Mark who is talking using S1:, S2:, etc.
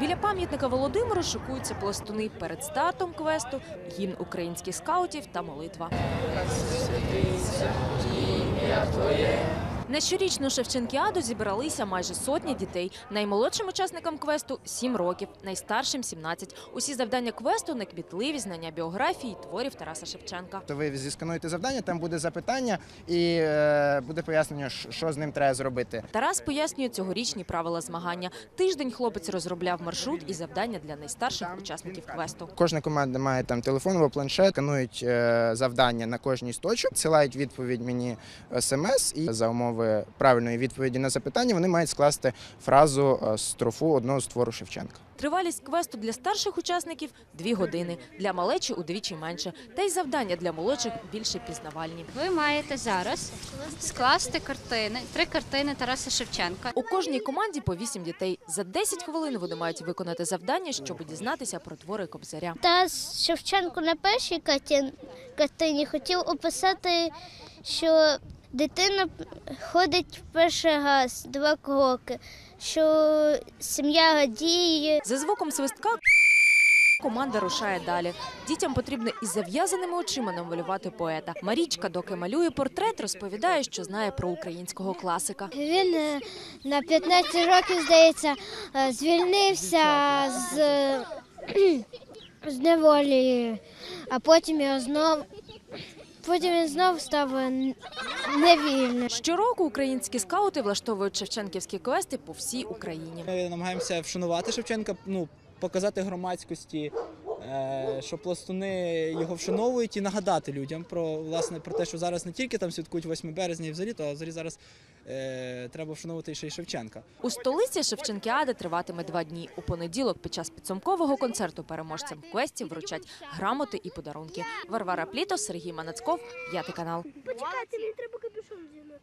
S1: Біля пам'ятника Володимиру шикуються пластуни перед стартом квесту, гімн українських скаутів та молитва. На щорічну Шевченкіаду зібралися майже сотня дітей. Наймолодшим учасникам квесту – 7 років, найстаршим – 17. Усі завдання квесту – неквітливі, знання біографії, творів Тараса Шевченка.
S2: Ви зіскануєте завдання, там буде запитання і буде пояснення, що з ним треба зробити.
S1: Тарас пояснює цьогорічні правила змагання. Тиждень хлопець розробляв маршрут і завдання для найстарших учасників квесту.
S2: Кожна команда має там телефон або планшет, сканують завдання на кожній з точок, надсилають відповідь мені смс і за умови правильної відповіді на запитання вони мають скласти фразу, строфу одного з твору Шевченка.
S1: Тривалість квесту для старших учасників – 2 години, для малечі – удвічі менше. Та й завдання для молодших більше пізнавальні.
S3: Ви маєте зараз скласти картини, 3 картини Тараса Шевченка.
S1: У кожній команді по 8 дітей. За 10 хвилин вони мають виконати завдання, щоб дізнатися про твори Кобзаря.
S4: Тарас Шевченко на першій картині хотів описати, що дитина ходить в перший раз 2 кроки, що сім'я радіє.
S1: За звуком свистка команда рушає далі. Дітям потрібно із зав'язаними очима намалювати поета. Марічка, доки малює портрет, розповідає, що знає про українського класика.
S4: Він на 15 років, здається, звільнився з неволі, а потім він знов став невільним.
S1: Щороку українські скаути влаштовують шевченківські квести по всій Україні.
S5: Ми намагаємося вшанувати Шевченка, показати громадськості, що пластуни його вшановують і нагадати людям про те, що зараз не тільки там святкують 8 березня і взагалі, а взагалі зараз треба вшановувати ще й Шевченка.
S1: У столиці Шевченкіада триватиме 2 дні. У понеділок під час підсумкового концерту переможцям квестів вручать грамоти і подарунки. Варвара Плітос, Сергій Манацьков, 5 канал.
S6: Почекайте, мені треба капюшон взяти.